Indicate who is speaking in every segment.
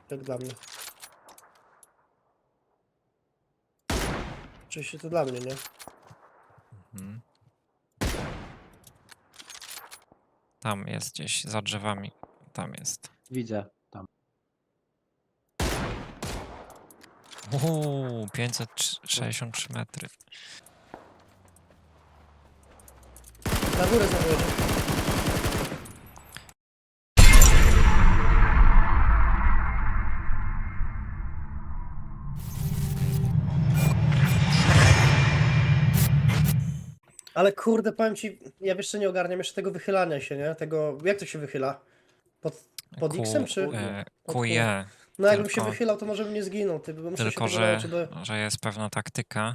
Speaker 1: Jak dla mnie. Oczywiście to dla mnie, nie?
Speaker 2: Mhm. Tam jest gdzieś, za drzewami. Tam jest.
Speaker 3: Widzę tam.
Speaker 2: 563 metry.
Speaker 1: Na górę zawodzie. Ale kurde, powiem ci, ja jeszcze nie ogarniam jeszcze tego wychylania się, nie? Tego, jak to się wychyla? Pod X-em czy? Pod Q?
Speaker 2: QE.
Speaker 1: No jakbym się
Speaker 2: tylko-
Speaker 1: wychylał, to może bym nie zginął, ty, bo muszę się
Speaker 2: Tylko,
Speaker 1: tego nauczyć do...
Speaker 2: że jest pewna taktyka.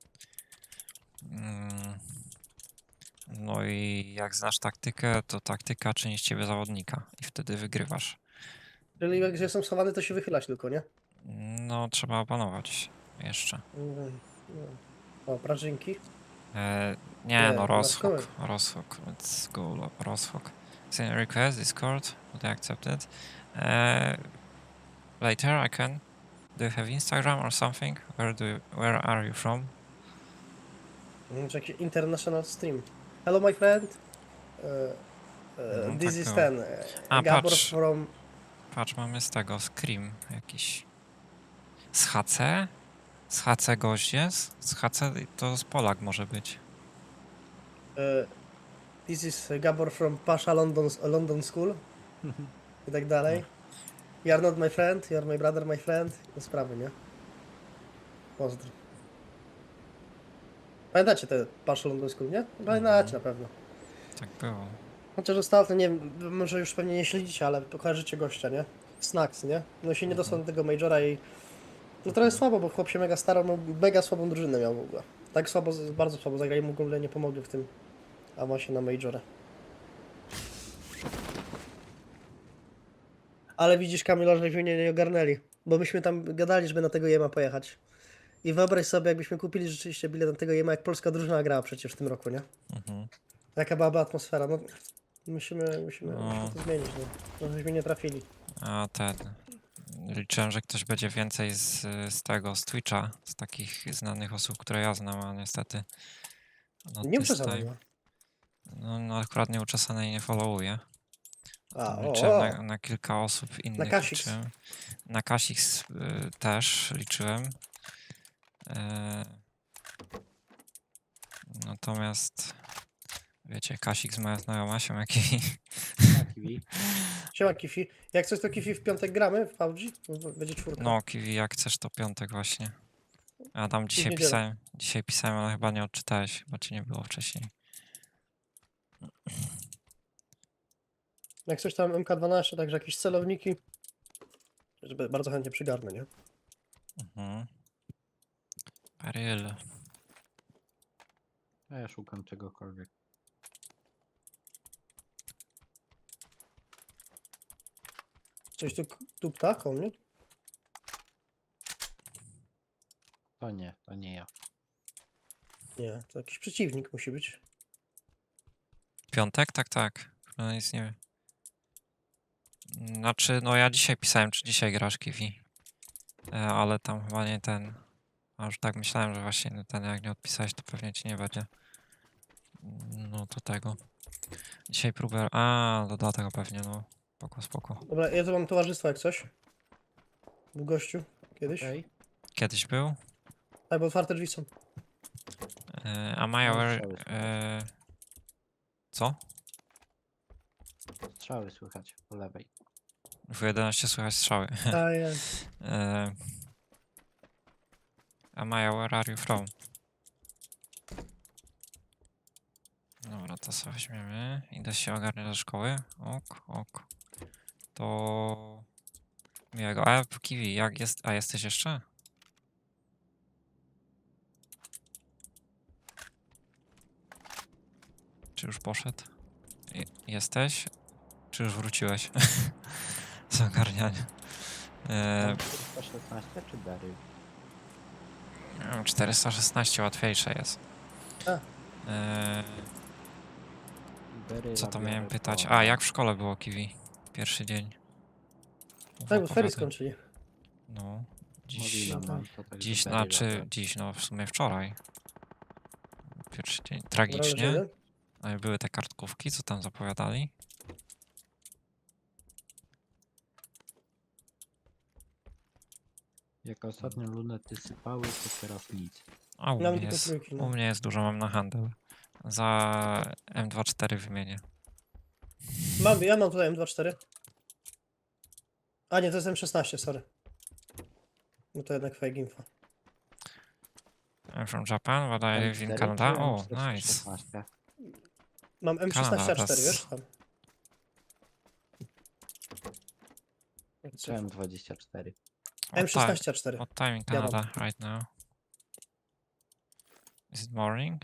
Speaker 2: Mm, No i jak znasz taktykę, to taktyka czyni z ciebie zawodnika i wtedy wygrywasz.
Speaker 1: Czyli jak jestem schowany, to się wychylać tylko, nie?
Speaker 2: No, trzeba opanować jeszcze.
Speaker 1: O, prażynki.
Speaker 2: Nie,
Speaker 1: Nie,
Speaker 2: no,
Speaker 1: dodatkowe.
Speaker 2: Roshawk. Let's go, Roshawk. Send a request, Discord, would I accept it? Later I can. Do you have Instagram or something? Where are you from?
Speaker 1: Czy jakiś international stream. Hello my friend.
Speaker 2: No,
Speaker 1: This
Speaker 2: tak
Speaker 1: is
Speaker 2: było.
Speaker 1: ten.
Speaker 2: A,
Speaker 1: Gabor
Speaker 2: patrz.
Speaker 1: from...
Speaker 2: Patrz, mamy z tego Scream jakiś. Z HC? Z HC gość jest? Z HC to z Polak może być.
Speaker 1: This is Gabor from Pasha London School. I tak dalej. You are not my friend, you are my brother, my friend. No sprawy, nie? Pozdro. Pamiętacie te Pasha London School, nie? Pamiętacie na pewno.
Speaker 2: Tak było.
Speaker 1: Chociaż ostatnio, nie wiem, może już pewnie nie śledzicie, ale kojarzycie gościa, nie? Snacks, nie? No się nie dostał do tego Majora i... No trochę słabo, bo chłop się mega starał, no mega słabą drużynę miał w ogóle. Tak słabo, bardzo słabo zagrali, mu w ogóle nie pomogli w tym awansie na Majora. Ale widzisz, Kamila, że mnie nie ogarnęli, bo myśmy tam gadali, żeby na tego Jema pojechać. I wyobraź sobie, jakbyśmy kupili rzeczywiście bilet na tego Jema, jak polska drużyna grała przecież w tym roku, nie?
Speaker 2: Mhm.
Speaker 1: Jaka byłaby atmosfera, no... Musimy
Speaker 2: No.
Speaker 1: to zmienić, no. No, żeśmy nie trafili.
Speaker 2: A ten. Liczyłem, że ktoś będzie więcej z tego, z Twitcha, z takich znanych osób, które ja znam, a niestety. No,
Speaker 1: Nie
Speaker 2: this
Speaker 1: uczesane
Speaker 2: time-
Speaker 1: chyba.
Speaker 2: No akurat nieuczesanej nie followuję.
Speaker 1: A,
Speaker 2: Tam
Speaker 1: o,
Speaker 2: liczyłem
Speaker 1: o.
Speaker 2: na kilka osób innych.
Speaker 1: Kasix.
Speaker 2: Liczyłem. Na Kasix też liczyłem. Natomiast wiecie, Kasix moja znajoma się jaki.
Speaker 3: Kiwi.
Speaker 1: Siema Kifi. Jak coś to Kifi w piątek gramy w PUBG? Będzie czwórka.
Speaker 2: No, Kiwi, jak chcesz, to piątek właśnie. A tam dzisiaj
Speaker 1: niedzielę.
Speaker 2: pisałem, ale chyba nie odczytałeś, chyba cię nie było wcześniej.
Speaker 1: Jak coś tam MK12, także jakieś celowniki. Żeby bardzo chętnie przygarnę, nie?
Speaker 2: Mhm. Baryl.
Speaker 3: A ja szukam czegokolwiek.
Speaker 1: Coś tu ptak o mnie?
Speaker 3: To nie ja.
Speaker 1: Nie, to jakiś przeciwnik musi być.
Speaker 2: Piątek? Tak. No nic nie wiem. Znaczy, no ja dzisiaj pisałem, czy dzisiaj grasz Kiwi. Ale tam chyba nie ten. A już tak myślałem, że właśnie no ten, jak nie odpisałeś, to pewnie ci nie będzie. No to tego. Dzisiaj próbę. A, do dlatego pewnie, no. Spoko.
Speaker 1: Dobra, ja tu mam towarzystwo jak coś. W gościu. Kiedyś.
Speaker 3: Okej.
Speaker 2: Kiedyś był.
Speaker 1: Tak, bo otwarte drzwi są.
Speaker 2: A Maja,
Speaker 3: No,
Speaker 2: where,
Speaker 3: strzały słychać.
Speaker 2: co?
Speaker 3: Strzały słychać po lewej.
Speaker 2: W 11 słychać strzały.
Speaker 1: A jest.
Speaker 2: A Maja, where are you from? Dobra, to sobie weźmiemy. Idę się ogarniać do szkoły. Ok. To... Miłego. A Kiwi, jak jest... A jesteś jeszcze? Czy już poszedł? Jesteś? Czy już wróciłeś? Z ogarniania.
Speaker 3: 416 czy Berry?
Speaker 2: Nie wiem, 416 łatwiejsze jest.
Speaker 1: A.
Speaker 3: Berry
Speaker 2: Co to
Speaker 3: robione
Speaker 2: miałem pytać?
Speaker 3: po-
Speaker 2: A, jak w szkole było Kiwi? Pierwszy dzień.
Speaker 1: Tak, bo ferie
Speaker 2: opowiadaj.
Speaker 1: skończyli.
Speaker 2: No. Dziś,
Speaker 3: Mówiłem
Speaker 1: tak.
Speaker 3: wam, to tak
Speaker 2: dziś,
Speaker 3: do Daryla
Speaker 2: znaczy,
Speaker 3: byłem.
Speaker 2: dziś, no w sumie wczoraj. Pierwszy dzień.
Speaker 1: Gramy
Speaker 2: Tragicznie.
Speaker 1: jeden?
Speaker 2: Ale były te kartkówki, co tam zapowiadali.
Speaker 3: Jak ostatnio lunety sypały, to teraz nic.
Speaker 2: A u
Speaker 1: Mam
Speaker 2: mnie
Speaker 1: tylko
Speaker 2: jest,
Speaker 1: trójki,
Speaker 2: u
Speaker 1: no.
Speaker 2: mnie jest dużo, mam na handel. Za M24 wymienię.
Speaker 1: Ja mam tutaj M24. A nie, to jest M16, sorry. No to jednak fake info.
Speaker 2: I'm from Japan, but I live in
Speaker 3: M4
Speaker 2: Canada.
Speaker 3: czy
Speaker 2: O, nice.
Speaker 3: M416?
Speaker 1: Mam M16
Speaker 2: Kanada,
Speaker 1: A4,
Speaker 2: that's-
Speaker 1: wiesz tam.
Speaker 3: Czy M24?
Speaker 1: M16 A4.
Speaker 2: What time in
Speaker 1: Ja mam.
Speaker 2: Canada right now? Is it morning?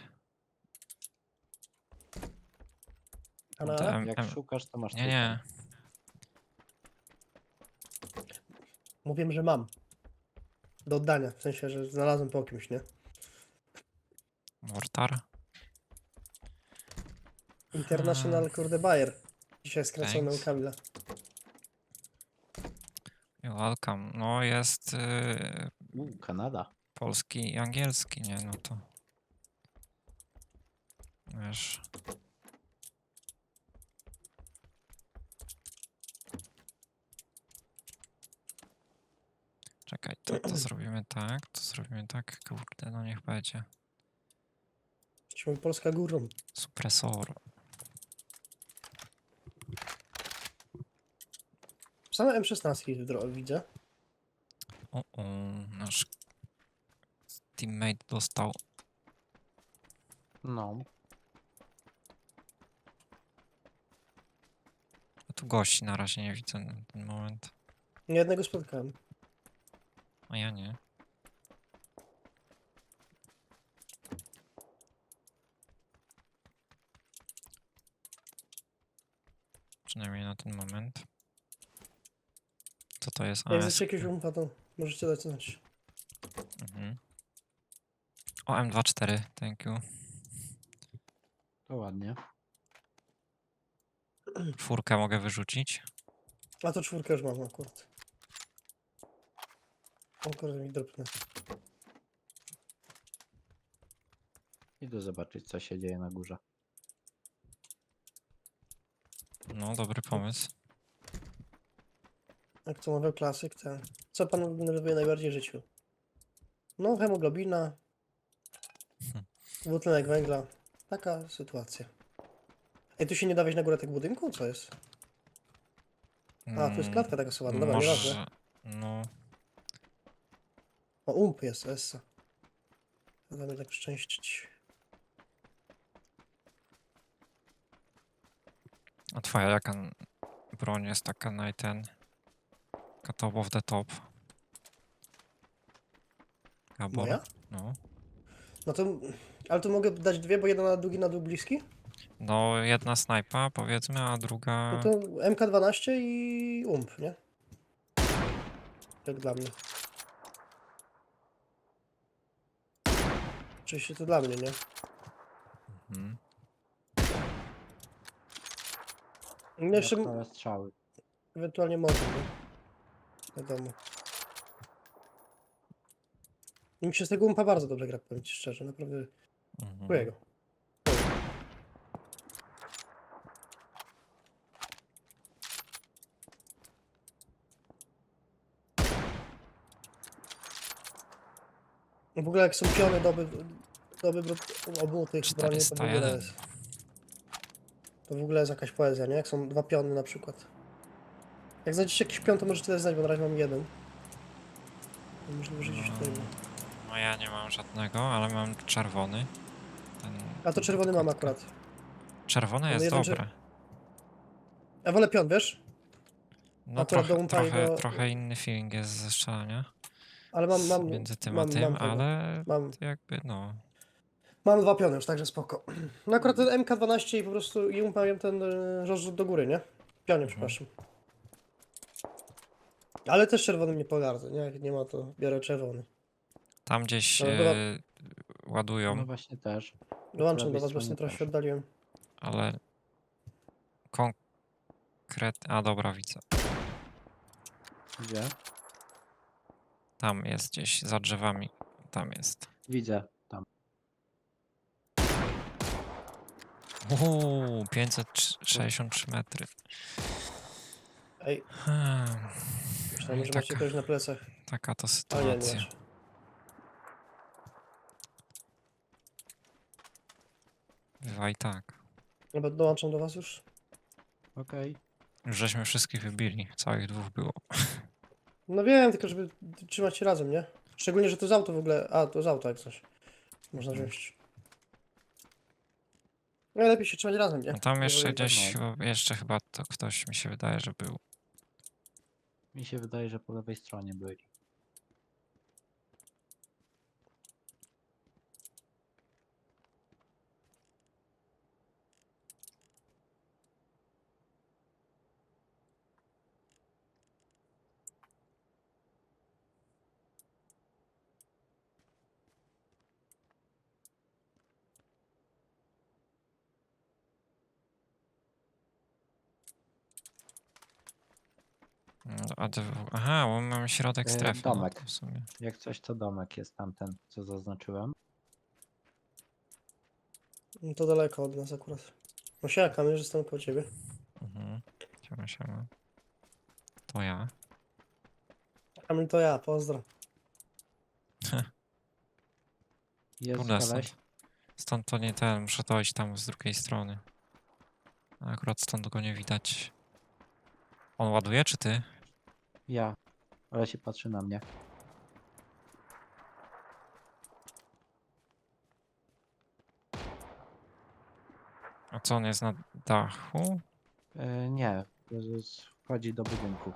Speaker 1: Kanada?
Speaker 3: Jak szukasz, to masz
Speaker 2: Nie, nie.
Speaker 1: Mówiłem, że mam. Do oddania, w sensie, że znalazłem po kimś, nie?
Speaker 2: Mortar.
Speaker 1: International, kurde, Bayer. Dzisiaj skracony u
Speaker 2: Thanks.
Speaker 1: Kamila.
Speaker 2: You're welcome. No jest
Speaker 3: Kanada.
Speaker 2: polski i angielski, nie? No to... Wiesz... Czekaj, to zrobimy tak, to zrobimy tak, kurde, no niech będzie.
Speaker 1: Jesteśmy Polska górą.
Speaker 2: Supresor.
Speaker 1: Same M16 widzę.
Speaker 2: O, nasz teammate dostał.
Speaker 3: No,
Speaker 2: A tu gości na razie nie widzę na ten moment.
Speaker 1: Nie jednego spotkałem.
Speaker 2: A ja nie. Przynajmniej na ten moment. Co to jest?
Speaker 1: Jak
Speaker 2: AS.
Speaker 1: chcecie jakiegoś umpa, to możecie dać znać.
Speaker 2: Mhm. O, M24, thank you.
Speaker 3: to ładnie.
Speaker 2: Czwórkę mogę wyrzucić.
Speaker 1: A to czwórkę już mam akurat. O kurde, mi dropnę.
Speaker 3: Idę zobaczyć, co się dzieje na górze.
Speaker 2: No, dobry pomysł.
Speaker 1: Jak to mawiał klasyk, to... Co pan lubi najbardziej w życiu? No, hemoglobina. Dwutlenek węgla. Taka sytuacja. Ej, tu się nie da wejść na górę tego budynku? Co jest? A, tu jest klatka taka słaba. Dobra, nieważne.
Speaker 2: No,
Speaker 1: O, ump jest, essa. Da mnie tak szczęścić.
Speaker 2: a twoja jaka broń jest taka taka top of the top? Gabor?
Speaker 1: Moja?
Speaker 2: No.
Speaker 1: No to... Ale tu mogę dać dwie, bo jedna na długi, na dół bliski?
Speaker 2: No, jedna snajpa powiedzmy, a druga...
Speaker 1: No to MK12 i ump, nie? Tak dla mnie. Oczywiście to dla mnie, nie?
Speaker 2: Mhm.
Speaker 1: No jeszcze
Speaker 3: Dodatkowe strzały.
Speaker 1: ewentualnie może, nie? Wiadomo. Mi się z tego umpa bardzo dobrze gra, powiem ci szczerze, naprawdę czuję go. W ogóle jak są piony obu tych broni, to w ogóle
Speaker 2: 401.
Speaker 1: jest... To w ogóle jest jakaś poezja, nie? Jak są dwa piony na przykład. Jak znajdziecie jakiś pion, to możecie też znać, bo na razie mam jeden. Możliwe, że gdzieś tutaj ma.
Speaker 2: No ja nie mam żadnego, ale mam czerwony.
Speaker 1: A to czerwony mam akurat.
Speaker 2: Czerwony jest
Speaker 1: jeden
Speaker 2: dobre.
Speaker 1: Ja wolę pion, wiesz?
Speaker 2: No
Speaker 1: akurat do
Speaker 2: trochę,
Speaker 1: umpa jego-
Speaker 2: trochę inny feeling jest ze strzelania
Speaker 1: Ale mam
Speaker 2: między tym
Speaker 1: mam,
Speaker 2: a tym,
Speaker 1: mam tego.
Speaker 2: ale
Speaker 1: Mam,
Speaker 2: to jakby no...
Speaker 1: mam dwa piony już, także spoko. No akurat ten MK12 i po prostu i umpawiam ten rozrzut do góry, nie? Pionie, przepraszam. Ale też czerwony nie pogardzę, nie? Jak nie ma, to biorę czerwony.
Speaker 2: Tam gdzieś
Speaker 1: Ale była-
Speaker 2: ładują,
Speaker 3: No właśnie też.
Speaker 1: Dołączam do
Speaker 3: lewej
Speaker 1: was, właśnie
Speaker 3: stronie
Speaker 1: trochę się
Speaker 3: też.
Speaker 1: oddaliłem.
Speaker 2: ale... A dobra, widzę.
Speaker 3: Gdzie?
Speaker 2: Tam jest gdzieś, za drzewami. Tam jest.
Speaker 3: Widzę. Tam.
Speaker 2: 563 metry.
Speaker 1: Ej,
Speaker 2: Hmm.
Speaker 1: myślałem,
Speaker 2: I
Speaker 1: że macie kogoś na plecach.
Speaker 2: taka to
Speaker 1: A nie, nie
Speaker 2: sytuacja.
Speaker 1: masz.
Speaker 2: Bywa i tak.
Speaker 1: Dobra, dołączam do was już.
Speaker 3: Okej.
Speaker 2: Już żeśmy wszystkich wybili. Całych dwóch było.
Speaker 1: No wiem, tylko żeby trzymać się razem, nie? Szczególnie, że to jest auto w ogóle. A, to jest auto jak coś. Można wziąć. No lepiej się trzymać razem, nie?
Speaker 2: No tam
Speaker 1: Nie
Speaker 2: jeszcze
Speaker 1: wolno-
Speaker 2: gdzieś,
Speaker 3: no.
Speaker 2: jeszcze chyba to ktoś mi się wydaje, że był.
Speaker 3: Mi się wydaje, że po lewej stronie byli.
Speaker 2: No, aha, bo mamy środek strefy. No
Speaker 3: domek.
Speaker 2: to w sumie.
Speaker 3: Jak coś, to domek jest tamten, co zaznaczyłem.
Speaker 1: No to daleko od nas akurat. No siaka, my już jestem koło ciebie.
Speaker 2: Mhm. Siema. To ja.
Speaker 1: Kamil to ja, pozdro.
Speaker 3: Jest
Speaker 2: Kurde,
Speaker 3: koleś.
Speaker 2: stąd to nie ten, muszę dojść tam z drugiej strony. A akurat stąd go nie widać. On ładuje, czy ty?
Speaker 3: Ja. Ale się patrzy na mnie.
Speaker 2: A co, on jest na dachu?
Speaker 3: Nie. Wchodzi do budynku.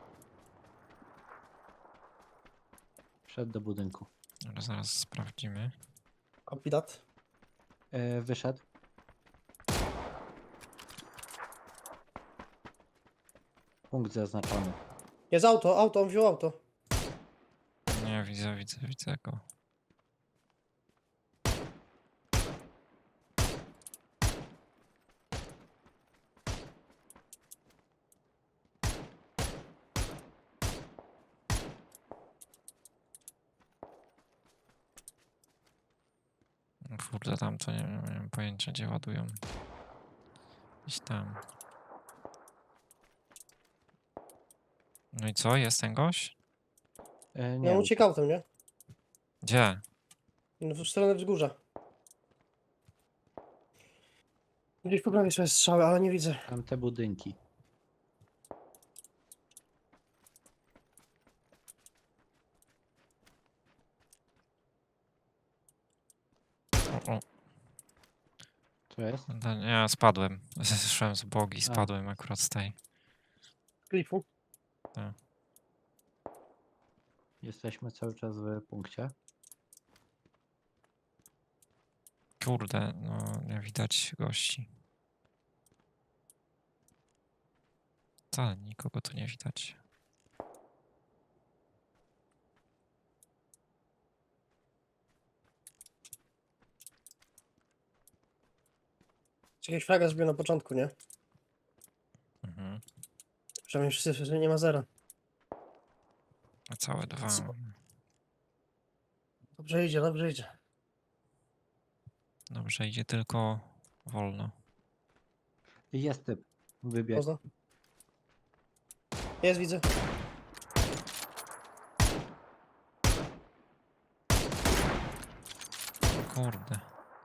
Speaker 3: Wszedł do budynku.
Speaker 2: Ale zaraz sprawdzimy.
Speaker 1: Copy that.
Speaker 3: Wyszedł. Punkt zaznaczony.
Speaker 1: Jest auto, on wziął auto.
Speaker 2: Nie, widzę go. No kurde, tam to nie mam pojęcia, gdzie ładują. Gdzieś tam. No i co, jest ten gość?
Speaker 3: Nie.
Speaker 1: No uciekł autem, nie?
Speaker 2: Gdzie?
Speaker 1: No, w stronę wzgórza. Gdzieś po prawej sobie strzały, ale nie widzę.
Speaker 3: Tam te budynki.
Speaker 2: O,
Speaker 3: Co jest?
Speaker 2: ja spadłem. Zeszłem z bogi, spadłem akurat z tej.
Speaker 1: Klifu.
Speaker 3: Jesteśmy cały czas w punkcie.
Speaker 2: Kurde, no nie widać gości. Wcale nikogo tu nie widać.
Speaker 1: Jakieś flaga zrobił na początku, nie?
Speaker 2: Mhm.
Speaker 1: Przynajmniej wszyscy, że nie ma zera.
Speaker 2: A całe dwa.
Speaker 1: Dobrze idzie, dobrze idzie.
Speaker 2: Dobrze, idzie tylko wolno.
Speaker 3: Jest typ. Wybiegł.
Speaker 1: Poza. Jest, widzę.
Speaker 2: O kurde.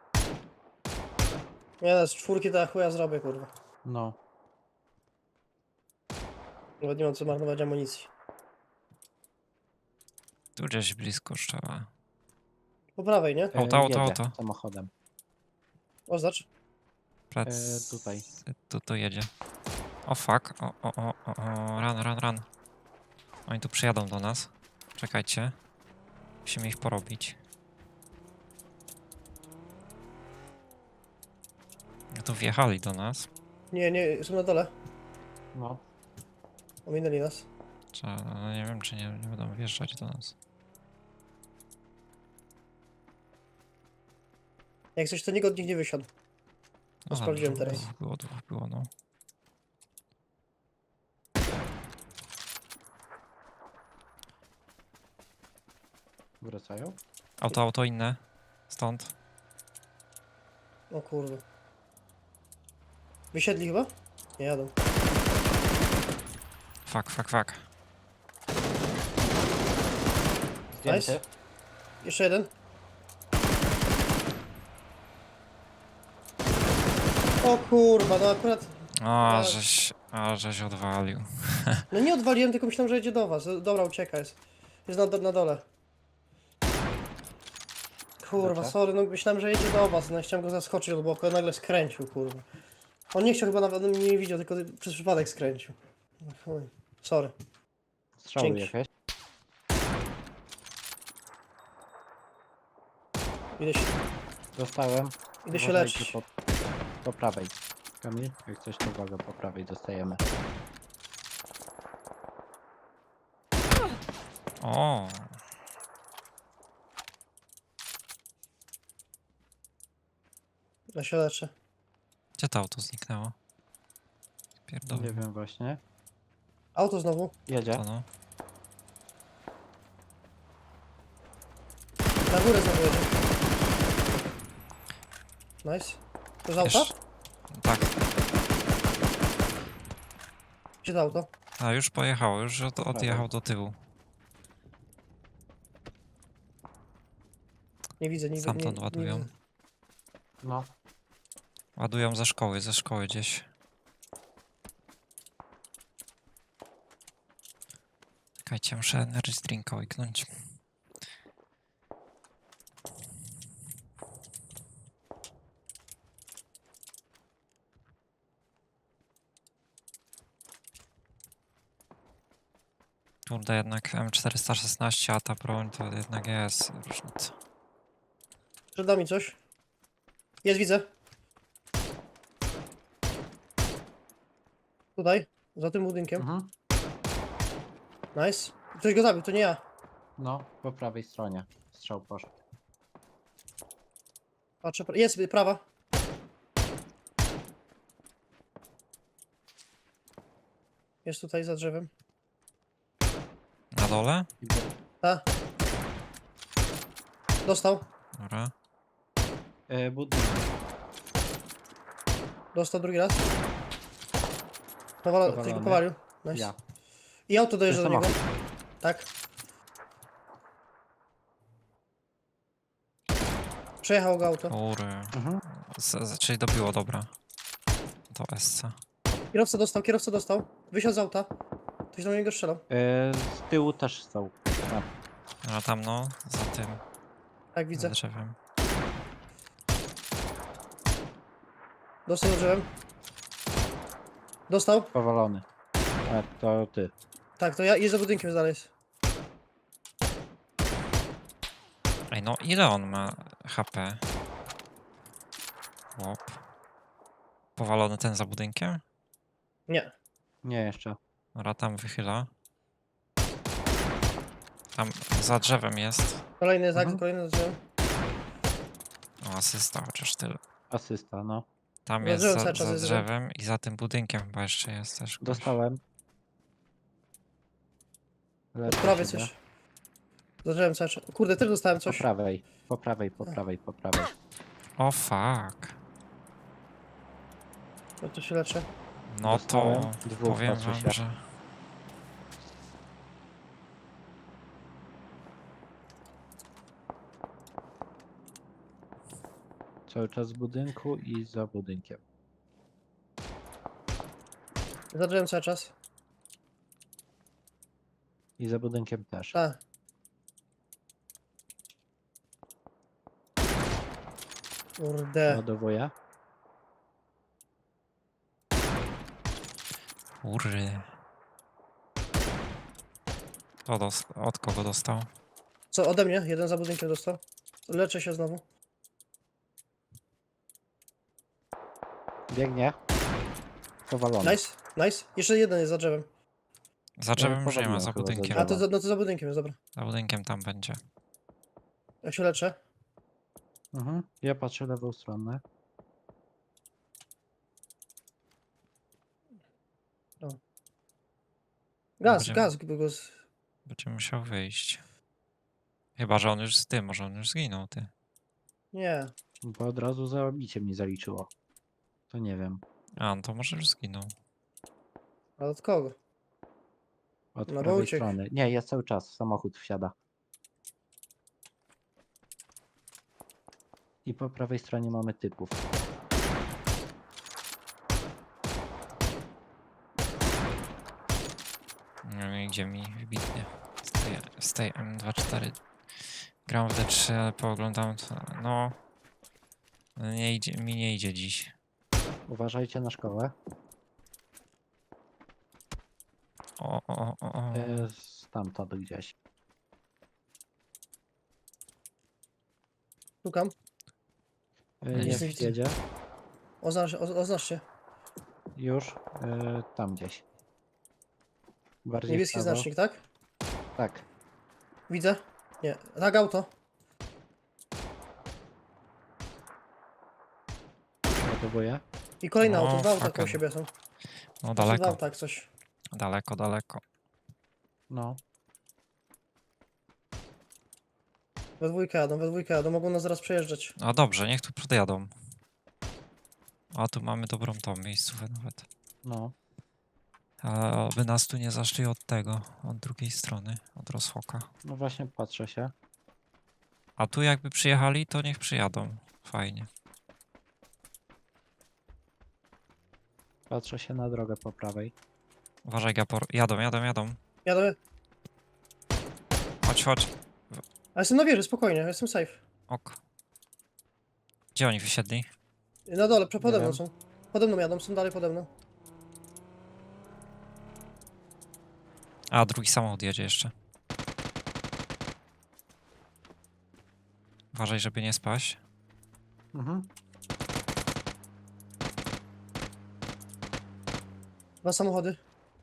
Speaker 1: Nie, z czwórki to ja chuja zrobię, kurwa.
Speaker 3: No.
Speaker 1: Nawet nie mam co marnować amunicji.
Speaker 2: Tu gdzieś blisko trzeba.
Speaker 1: Po prawej, nie?
Speaker 2: Auto.
Speaker 3: Jedzie samochodem.
Speaker 1: Oznacz.
Speaker 2: Plec.
Speaker 3: Tutaj.
Speaker 2: Tu jedzie. O fuck. Run. Oni tu przyjadą do nas. Czekajcie. Musimy ich porobić. Tu wjechali do nas.
Speaker 1: Nie, są na dole.
Speaker 3: No.
Speaker 1: Ominęli nas.
Speaker 2: No nie wiem, czy nie będą wjeżdżać do nas.
Speaker 1: Jak coś, to nikt od nich nie wysiadł.
Speaker 2: No,
Speaker 1: sprawdziłem teraz.
Speaker 2: Dwóch było, no.
Speaker 3: Wracają?
Speaker 2: Auto inne. Stąd.
Speaker 1: O kurde. Wysiedli chyba? Nie jadą.
Speaker 2: Fuck.
Speaker 3: Zdjęty.
Speaker 1: Jeszcze jeden. O kurwa, no akurat...
Speaker 2: O,
Speaker 1: Tak.
Speaker 2: żeś odwalił.
Speaker 1: No nie odwaliłem, tylko myślałem, że jedzie do was. Dobra, ucieka jest. Jest na dole. Kurwa,
Speaker 3: Dobrze.
Speaker 1: sorry, no myślałem, że jedzie do was. No chciałem go zaskoczyć od boku, a nagle skręcił, kurwa. On nie chciał chyba nawet mnie nie widział, tylko przez przypadek skręcił. No chuj. Sorry.
Speaker 3: Strzały
Speaker 1: Dzięki.
Speaker 3: jakieś.
Speaker 1: Idę się,
Speaker 3: Dostałem.
Speaker 1: idę się
Speaker 3: Uważajcie
Speaker 1: leczyć.
Speaker 3: po prawej. Kamil, jak coś to uwaga, po prawej dostajemy.
Speaker 2: O,
Speaker 1: Ja się leczę.
Speaker 2: gdzie to auto zniknęło? Pierdolę.
Speaker 3: Nie wiem właśnie.
Speaker 1: Auto znowu.
Speaker 3: Jedzie.
Speaker 2: To no.
Speaker 1: Na górę znowu jedzie. Nice. To z auta?
Speaker 2: Jeszcze- Tak.
Speaker 1: Gdzie to auto?
Speaker 2: A już pojechało, już odjechał do tyłu.
Speaker 1: Nie widzę, nie widzę.
Speaker 2: Stamtąd
Speaker 1: nie
Speaker 2: ładują.
Speaker 1: widzę.
Speaker 3: No.
Speaker 2: Ładują ze szkoły gdzieś. Czekajcie, muszę energy drinka łyknąć. Kurde, jednak M416, a ta broń to jednak jest różnica.
Speaker 1: Przed nami coś. Jest, widzę. Tutaj, za tym budynkiem.
Speaker 3: Mhm.
Speaker 1: Nice. Ktoś go zabił, to nie ja.
Speaker 3: No, po prawej stronie. Strzał poszedł.
Speaker 1: Patrzę, jest, prawa. Jest tutaj za drzewem.
Speaker 2: Na dole?
Speaker 1: Ta. Dostał.
Speaker 2: Dobra.
Speaker 3: Budynek.
Speaker 1: Dostał drugi raz. Ktoś go
Speaker 3: Powalony.
Speaker 1: powalił. Nice.
Speaker 3: Ja.
Speaker 1: I auto dojeżdża do niego.
Speaker 3: Samochód.
Speaker 1: Tak. Przejechało go auto.
Speaker 2: Kury.
Speaker 3: Mhm.
Speaker 2: Czyli dobiło, dobra. To SC.
Speaker 1: Kierowca dostał. Wysiadł z auta. Ktoś do niego strzelał.
Speaker 3: Z tyłu też są. Tak.
Speaker 2: A tam no, za tym,
Speaker 1: Tak,
Speaker 2: za
Speaker 1: widzę.
Speaker 2: drzewem.
Speaker 1: Dostał za drzewem. Dostał.
Speaker 3: Powalony. A to ty.
Speaker 1: Tak, to ja jest za budynkiem dalej.
Speaker 2: Ej, no ile on ma HP? Łop. Powalony ten za budynkiem?
Speaker 1: Nie.
Speaker 3: Nie jeszcze.
Speaker 2: Dobra, tam wychyla. Tam za drzewem jest.
Speaker 1: Kolejny, tak,
Speaker 3: Mhm.
Speaker 1: kolejny za drzewem.
Speaker 2: O, asysta, chociaż tyle.
Speaker 3: Asysta, no.
Speaker 2: Tam
Speaker 1: Za
Speaker 2: jest
Speaker 1: drzewem
Speaker 2: za,
Speaker 1: cały czas
Speaker 2: za
Speaker 1: jest
Speaker 2: drzewem i za tym budynkiem chyba jeszcze jest też. ktoś.
Speaker 3: Dostałem.
Speaker 1: Od
Speaker 3: Leczę
Speaker 1: prawej
Speaker 3: siebie.
Speaker 1: coś. Za drzewem cały czas. Kurde, też dostałem
Speaker 3: Po
Speaker 1: coś.
Speaker 3: prawej. Po prawej, po prawej, po prawej.
Speaker 2: O fuck.
Speaker 1: Ja to się leczę.
Speaker 2: No to
Speaker 3: Dostałem. Dwóch
Speaker 2: powiem
Speaker 3: patrzy
Speaker 2: wam,
Speaker 3: się.
Speaker 2: że...
Speaker 3: Cały czas w budynku i za budynkiem.
Speaker 1: Za drzewem cały czas.
Speaker 3: I za budynkiem też.
Speaker 1: Tak. Kurde.
Speaker 3: Ładowuję.
Speaker 2: Kury. To od kogo dostał?
Speaker 1: Co, ode mnie? Jeden za budynkiem dostał. Leczę się znowu.
Speaker 3: Biegnie. Powalony.
Speaker 1: Nice, nice. Jeszcze jeden jest za drzewem.
Speaker 2: Za drzewem już nie ma,
Speaker 3: powaliłem
Speaker 2: za
Speaker 3: chyba za
Speaker 2: budynkiem.
Speaker 1: A
Speaker 3: drzewo.
Speaker 1: to, no to za budynkiem jest, dobra.
Speaker 2: Za budynkiem tam będzie.
Speaker 1: Ja się leczę.
Speaker 3: Mhm. Ja patrzę lewą stronę.
Speaker 1: Gaz,
Speaker 2: Będziemy-
Speaker 1: gaz. Go
Speaker 2: Będzie musiał wyjść. Chyba, że on już z tym, może on już zginął, ty.
Speaker 1: Nie.
Speaker 3: Bo od razu zabicie mi zaliczyło. To nie wiem.
Speaker 2: A, no to może już zginął.
Speaker 1: Ale od kogo?
Speaker 3: Od
Speaker 1: No bo
Speaker 3: prawej
Speaker 1: uciekł.
Speaker 3: strony. Nie, jest cały czas. Samochód wsiada. I po prawej stronie mamy typów.
Speaker 2: No i idzie mi wybitnie. Z tej M24 gram w D3, ale pooglądam to, no... Nie idzie, mi nie idzie dziś.
Speaker 3: Uważajcie na szkołę.
Speaker 2: O.
Speaker 3: Stamtąd gdzieś.
Speaker 1: Szukam.
Speaker 2: Nie
Speaker 3: Jest
Speaker 1: widzę.
Speaker 3: jedzie.
Speaker 1: Oznacz się.
Speaker 3: Już. Tam gdzieś. Bardziej w
Speaker 1: Niebieski
Speaker 3: prawo.
Speaker 1: znacznik, tak?
Speaker 3: Tak.
Speaker 1: Widzę. Nie. Tak, auto.
Speaker 3: Gotowuję.
Speaker 1: I kolejne
Speaker 2: O,
Speaker 1: auto. Dwa auta koło
Speaker 2: fucking.
Speaker 1: siebie są.
Speaker 2: No
Speaker 1: Dwa
Speaker 2: daleko,
Speaker 1: auta jak coś.
Speaker 2: daleko.
Speaker 3: No.
Speaker 1: We dwójkę jadą. Mogą nas zaraz przejeżdżać.
Speaker 2: No dobrze, niech tu podjadą. A tu mamy dobrą tą miejscówkę nawet.
Speaker 3: No.
Speaker 2: A by nas tu nie zaszli od tego, od drugiej strony, od rozchoka.
Speaker 3: No właśnie patrzę się.
Speaker 2: A tu jakby przyjechali, to niech przyjadą. Fajnie.
Speaker 3: Patrzę się na drogę po prawej.
Speaker 2: Uważaj, Gapor. Jadą.
Speaker 1: Jadę.
Speaker 2: Chodź.
Speaker 1: A jestem na wieży, spokojnie. Jestem safe.
Speaker 2: Ok. Gdzie oni wysiedli?
Speaker 1: Na dole,
Speaker 3: Nie
Speaker 1: pode mną
Speaker 3: wiem.
Speaker 1: są. Pode mną jadą, są dalej pode mną.
Speaker 2: A, drugi samochód jedzie jeszcze. Uważaj, żeby nie spaść.
Speaker 3: Mhm.
Speaker 1: Dwa samochody.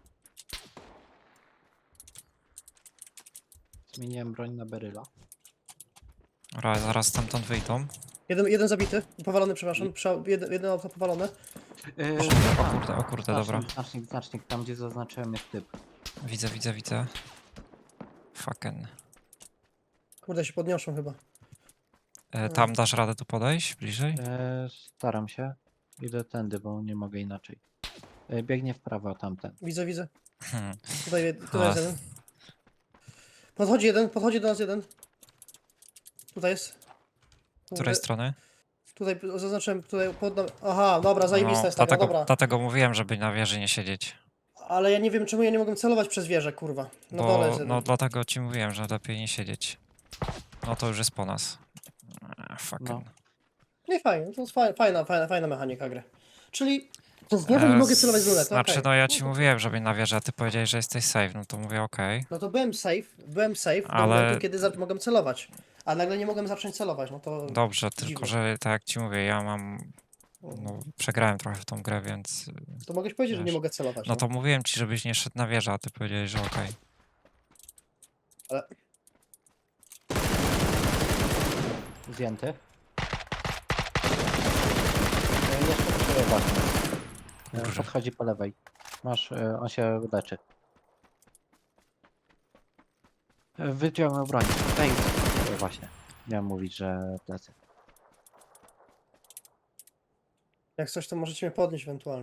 Speaker 3: Zmieniłem broń na beryla.
Speaker 2: Dobra, zaraz stamtąd wyjdą.
Speaker 1: Jeden zabity. Powalony, przepraszam. Jedno auto powalone.
Speaker 2: O kurde, dobra.
Speaker 3: Znacznik. Tam gdzie zaznaczyłem jest typ.
Speaker 2: Widzę. Fucking.
Speaker 1: Kurde, się podniosą chyba.
Speaker 2: Tam dasz radę tu podejść? Bliżej?
Speaker 3: Staram się. Idę tędy, bo nie mogę inaczej. Biegnie w prawo tamten.
Speaker 1: Widzę.
Speaker 2: Hmm.
Speaker 1: Tutaj
Speaker 2: A.
Speaker 1: jest jeden. Podchodzi do nas jeden. Tutaj jest.
Speaker 2: Z której strony?
Speaker 1: Tutaj zaznaczyłem, tutaj Aha, dobra, zajebista jest taka, dobra.
Speaker 2: Dlatego mówiłem, żeby na wieży nie siedzieć.
Speaker 1: Ale ja nie wiem, czemu ja nie mogłem celować przez wieżę, kurwa. No dole jest jeden.
Speaker 2: No dlatego ci mówiłem, że lepiej nie siedzieć. No to już jest po nas. Fucking.
Speaker 3: No.
Speaker 1: No i fajnie, to jest fajna mechanika gry. Czyli z wieży nie mogę celować z lunetu,
Speaker 2: Znaczy,
Speaker 1: okej.
Speaker 2: no ja ci
Speaker 1: to-
Speaker 2: mówiłem, żeby na wieżę, a ty powiedziałeś, że jesteś safe, no to mówię okej.
Speaker 1: No to byłem safe do
Speaker 2: Ale-
Speaker 1: momentu, kiedy mogłem celować. A nagle nie mogłem zacząć celować, no to...
Speaker 2: Dobrze, tylko
Speaker 1: dziwne.
Speaker 2: że tak jak ci mówię, ja mam... No, przegrałem trochę w tą grę, więc...
Speaker 1: To mogłeś powiedzieć, że nie
Speaker 2: wiesz,
Speaker 1: mogę celować.
Speaker 2: No to mówiłem ci, żebyś nie szedł na wieżę, a ty powiedziałeś, że okej.
Speaker 3: Zdjęty. Jeszcze przerywa.
Speaker 2: Kurwa.
Speaker 3: Podchodzi po lewej. Masz, on się leczy. Wyciągnął broń. Daj. Właśnie. Miałem mówić, że plecy.
Speaker 1: Jak coś, to możecie mnie podnieść ewentualnie.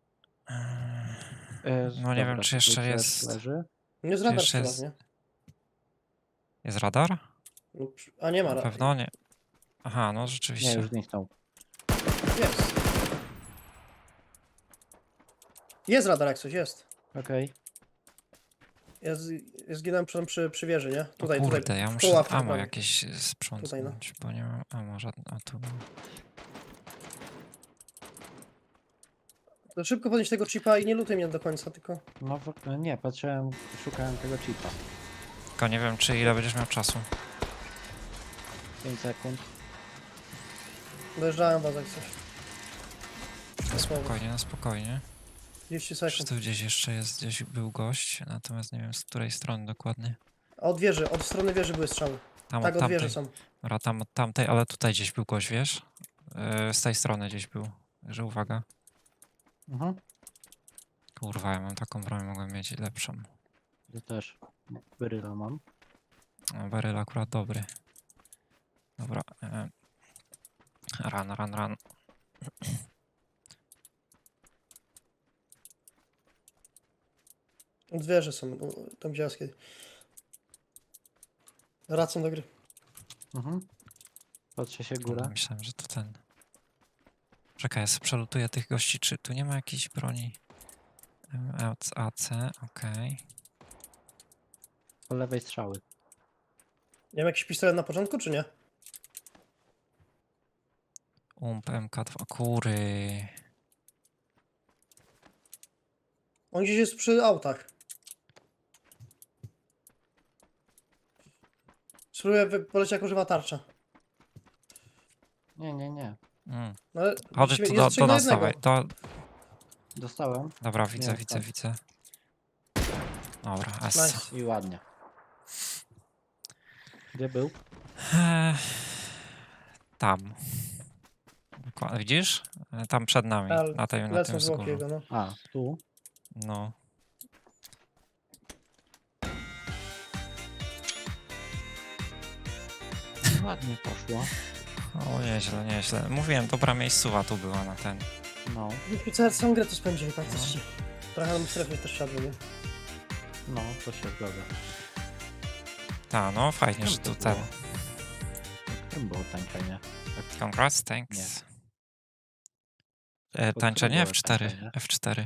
Speaker 2: No nie wiem, czy jeszcze
Speaker 3: tutaj
Speaker 2: jest...
Speaker 3: Leży.
Speaker 1: Nie z radar
Speaker 2: jeszcze
Speaker 1: strzela,
Speaker 2: jest-
Speaker 1: nie?
Speaker 2: Jest radar?
Speaker 1: No, a nie ma
Speaker 2: Na pewno nie. Aha, no
Speaker 3: Nie,
Speaker 2: rzeczywiście.
Speaker 3: już zniknął.
Speaker 1: Jest. Jest radar jak coś, jest.
Speaker 3: Okej.
Speaker 1: Ja zginąłem przy wieży, nie?
Speaker 2: O
Speaker 1: Tutaj,
Speaker 2: kurde,
Speaker 1: tutaj.
Speaker 2: ja
Speaker 1: w
Speaker 2: muszę
Speaker 1: kołach
Speaker 2: ammo
Speaker 1: prawie.
Speaker 2: jakieś sprzątnąć, bo nie mam ammo żadnego. A tu mam.
Speaker 1: To szybko podnieść tego chipa i nie lutuj mnie do końca, tylko...
Speaker 3: No nie, patrzyłem, szukałem tego chipa.
Speaker 2: Tylko nie wiem, czy ile będziesz miał czasu.
Speaker 3: 5 sekund.
Speaker 1: Dojeżdżałem was jak coś.
Speaker 2: Na spokojnie.
Speaker 1: 30
Speaker 2: Czy
Speaker 1: sekund.
Speaker 2: tu gdzieś jeszcze jest, gdzieś był gość, natomiast nie wiem z której strony dokładnie.
Speaker 1: A od wieży, od strony wieży były strzały.
Speaker 2: Tam
Speaker 1: Tak,
Speaker 2: od
Speaker 1: od wieży
Speaker 2: tamtej.
Speaker 1: są.
Speaker 2: Dobra, tam od tamtej, ale tutaj gdzieś był gość, wiesz? Z tej strony gdzieś był. Także uwaga.
Speaker 3: Mhm.
Speaker 2: Kurwa, ja mam taką broń, mogłem mieć lepszą.
Speaker 3: Ja też. Beryla mam.
Speaker 2: No, beryl akurat dobry. Dobra. Run.
Speaker 1: Zwierzę są, tam gdzie jaskier. Wracam do gry.
Speaker 3: Mhm. Patrzę się góra.
Speaker 2: Myślałem, że to ten. Czekaj, ja sobie przelutuję tych gości, czy tu nie ma jakiejś broni? AC, okej.
Speaker 3: Po lewej strzały.
Speaker 1: Nie wiem, jakiś pistolet na początku, czy nie?
Speaker 2: MK2, kury.
Speaker 1: On gdzieś jest przy autach. Spróbuję polecieć, jak używa tarcza.
Speaker 3: Nie.
Speaker 2: Mm.
Speaker 1: No, ale
Speaker 2: Chodź
Speaker 1: musimy-
Speaker 2: tu
Speaker 1: jest
Speaker 2: do
Speaker 1: trzech na
Speaker 2: nas,
Speaker 1: jednego.
Speaker 2: dawaj.
Speaker 3: Dostałem.
Speaker 2: Dobra,
Speaker 3: Nie,
Speaker 2: widzę. Dobra, S.
Speaker 1: Nice.
Speaker 3: I ładnie. Gdzie był?
Speaker 2: Tam. Widzisz? Tam przed nami,
Speaker 1: Ale
Speaker 2: na tym
Speaker 1: lecą
Speaker 2: wzgórzu.
Speaker 1: zwłoki jego, no.
Speaker 3: A, tu.
Speaker 2: No.
Speaker 3: Ładnie poszło.
Speaker 2: O, nieźle. Mówiłem, dobra miejscowa tu była na ten.
Speaker 3: No,
Speaker 1: Całą grę tu spędzili praktycznie. Trochę nam strefy też siadły, nie?
Speaker 3: no, to się zgadza.
Speaker 2: Ta, no fajnie,
Speaker 3: Czym
Speaker 2: że
Speaker 3: to
Speaker 2: tu ten.
Speaker 3: było? Którym było tańczenie?
Speaker 2: Congrats, thanks.
Speaker 3: Pod
Speaker 2: Tańczenie
Speaker 3: którym było
Speaker 2: F4.
Speaker 3: tańczenie?
Speaker 2: F4.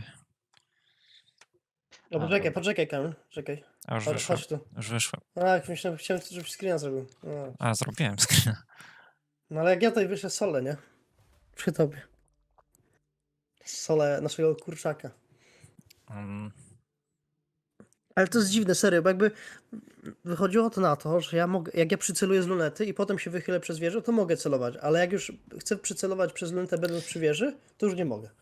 Speaker 1: No,
Speaker 3: A,
Speaker 1: poczekaj, Kamil, czekaj.
Speaker 2: A już
Speaker 1: Chodź,
Speaker 2: wyszłem.
Speaker 1: chodź tu.
Speaker 2: Już wyszłem.
Speaker 1: Tak, myślałem, chciałem, żebyś screena zrobił. No.
Speaker 2: A, zrobiłem screen.
Speaker 1: No ale jak ja tutaj wyszedł solę, nie? Przy tobie. Solę naszego kurczaka. Ale to jest dziwne, serio, bo jakby wychodziło to na to, że ja mogę, jak ja przyceluję z lunety i potem się wychylę przez wieżę, to mogę celować, ale jak już chcę przycelować przez lunetę będąc przy wieży, to już nie mogę.